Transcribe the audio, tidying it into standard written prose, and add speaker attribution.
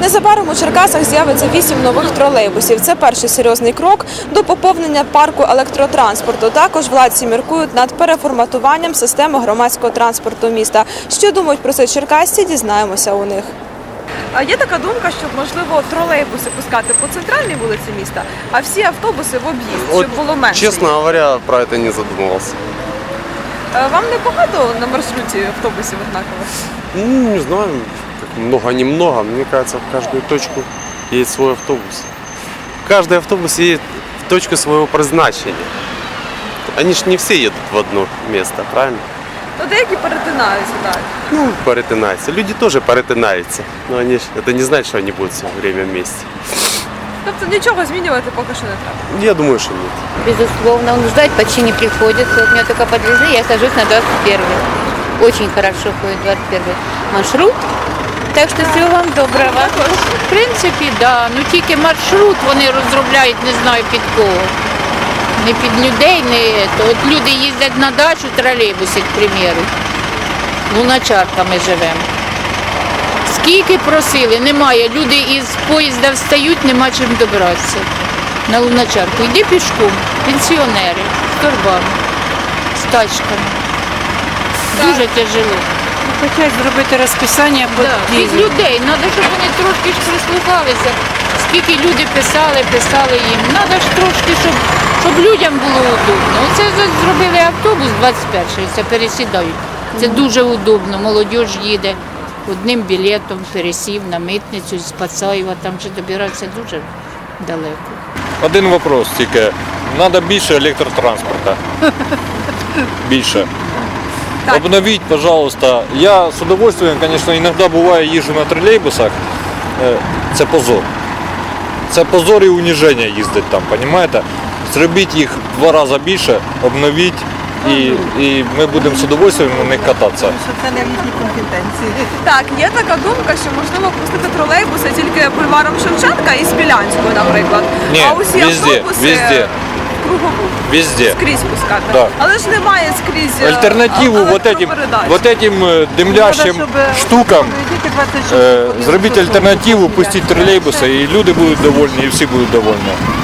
Speaker 1: Незабаром у Черкасах з'явиться 8 нових тролейбусів. Це перший серйозний крок до поповнення парку електротранспорту. Також владці міркують над переформатуванням системи громадського транспорту міста. Що думають про це черкасці, дізнаємося у них. А є така думка, що, можливо, тролейбуси пускати по центральній вулиці міста, а всі автобуси в об'їзд, щоб було менше.
Speaker 2: Честно говоря, про это не задумывался.
Speaker 1: Вам не багато на маршруті автобусів однакових?
Speaker 2: Ну, не знаю, как много-немного. Мне кажется, в каждую точку едет свой автобус. Каждый автобус едет в точку своего призначения. Они ж не все едут в одно место, правильно?
Speaker 1: Ну, деякі перетинаються, так.
Speaker 2: Ну, перетинаются. Люди тоже перетинаются. Но они ж, это не значит, что они будут все время вместе.
Speaker 1: Тобто нічого змінювати поки що не треба?
Speaker 2: Я думаю, что нет.
Speaker 3: Безусловно, он ждать почти не приходится. Вот меня только подвезли, я сажусь на 21-й. Очень хорошо ходит 21-й маршрут. Так що всього вам доброго. В принципі, да. Ну тільки маршрут вони розробляють, не знаю під кого. Не під людей, не то. От люди їздять на дачу тролейбуси, к примеру. Луначарка ми живемо. Скільки просили, немає. Люди із поїзда встають, нема чим добратися. На Луначарку. Йди пішком. Пенсіонери з торбами, з тачками. Дуже тяжело.
Speaker 4: Хочуть зробити розписання по
Speaker 3: Із людей. Треба, щоб вони трошки ж прислухалися. Скільки люди писали їм. Треба ж трошки, щоб людям було удобно. Оце зробили автобус 21-й, це пересідають. Це дуже удобно. Молодь їде одним білетом, пересів на митницю з Пацаєва, там вже добиратися дуже далеко.
Speaker 5: Один вопрос тільки. Треба більше електротранспорту. Більше. Обновіть, пожалуйста. Я з удовольствием, звісно, іноді буває їжджу на тролейбусах. Це позор. Це позор і уніження їздити там, розумієте? Зробіть їх в 2 рази більше, обновіть і ми будемо з удовольствием на них кататися.
Speaker 4: що це не в їхній компетенції.
Speaker 1: Так, є така думка, що можливо пустити тролейбуси тільки бульваром Шевченка і Смілянською, наприклад.
Speaker 5: Ні,
Speaker 1: а усі автобуси кругову.
Speaker 5: Везде.
Speaker 1: Скрізь пускати.
Speaker 5: Да.
Speaker 1: Але ж немає скрізь
Speaker 5: Альтернативу вот этим димлящим штукам зробіть альтернативу, пустіть тролейбуси, і люди будуть довольні, і всі будуть довольні.